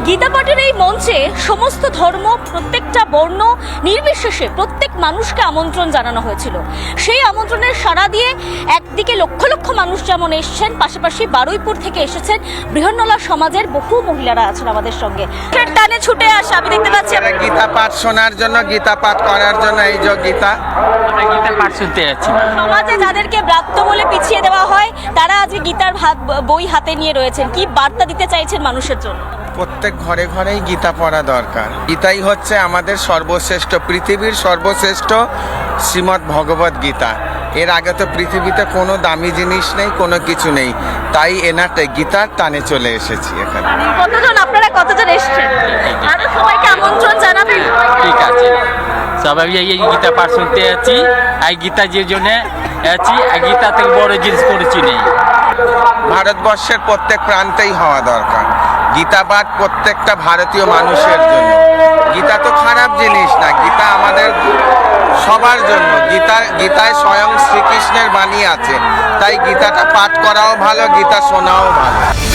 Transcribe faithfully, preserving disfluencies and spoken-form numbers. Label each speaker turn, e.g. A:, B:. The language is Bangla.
A: গীতা পাঠের এই মঞ্চে সমস্ত ধর্ম, প্রত্যেকটা বর্ণ নির্বিশেষে প্রত্যেক মানুষকে আমন্ত্রণ জানানো হয়েছিল। সেই আমন্ত্রণের সাড়া দিয়ে একদিকে লক্ষ লক্ষ মানুষ যেমন এসছেন, পাশাপাশি বারুইপুর থেকে এসেছেন বৃহন্নলা সমাজের বহু মহিলারা আছেন আমাদের সঙ্গে। টানে ছুটে আসে আমি দেখতে পাচ্ছি
B: গীতা পাঠ শোনার জন্য, গীতা পাঠ করার জন্য। এই যে গীতা
C: আমরা গীতা পাঠ শুনতে যাচ্ছি।
A: সমাজে যাদেরকে ব্রাত্য বলে পিছিয়ে দেওয়া হয় তারা আজকে গীতার বই হাতে নিয়ে রয়েছেন, কি বার্তা দিতে চাইছেন মানুষের জন্য?
B: প্রত্যেক ঘরে ঘরেই গীতা পড়া দরকার। গীতাই হচ্ছে আমাদের সর্বশ্রেষ্ঠ, পৃথিবীর সর্বশ্রেষ্ঠ শ্রীমদ্ ভগবত গীতা। এর আগে তো পৃথিবীতে কোনো দামি জিনিস নেই, কোনো কিছু নেই। তাই এনাতে গীতার টানে চলে এসেছি এখানে।
A: কতজন আপনারা কতজন এসেছেন? আরো সবাইকে আমন্ত্রণ জানাবেন।
C: ঠিক আছে, সবাই এই গীতা পাঠ শুনতে যাচ্ছি। এই গীতা যে জন্য আছি, গীতা থেকে বড় জিনিস করেছি নেই।
B: ভারতবর্ষের প্রত্যেক প্রান্তেই হওয়া দরকার গীতা পাঠ, প্রত্যেকটা ভারতীয় মানুষের জন্য। গীতা তো খারাপ জিনিস না, গীতা আমাদের সবার জন্য। গীতা গীতায় স্বয়ং শ্রীকৃষ্ণের বাণী আছে, তাই গীতাটা পাঠ করাও ভালো, গীতা শোনাও ভালো।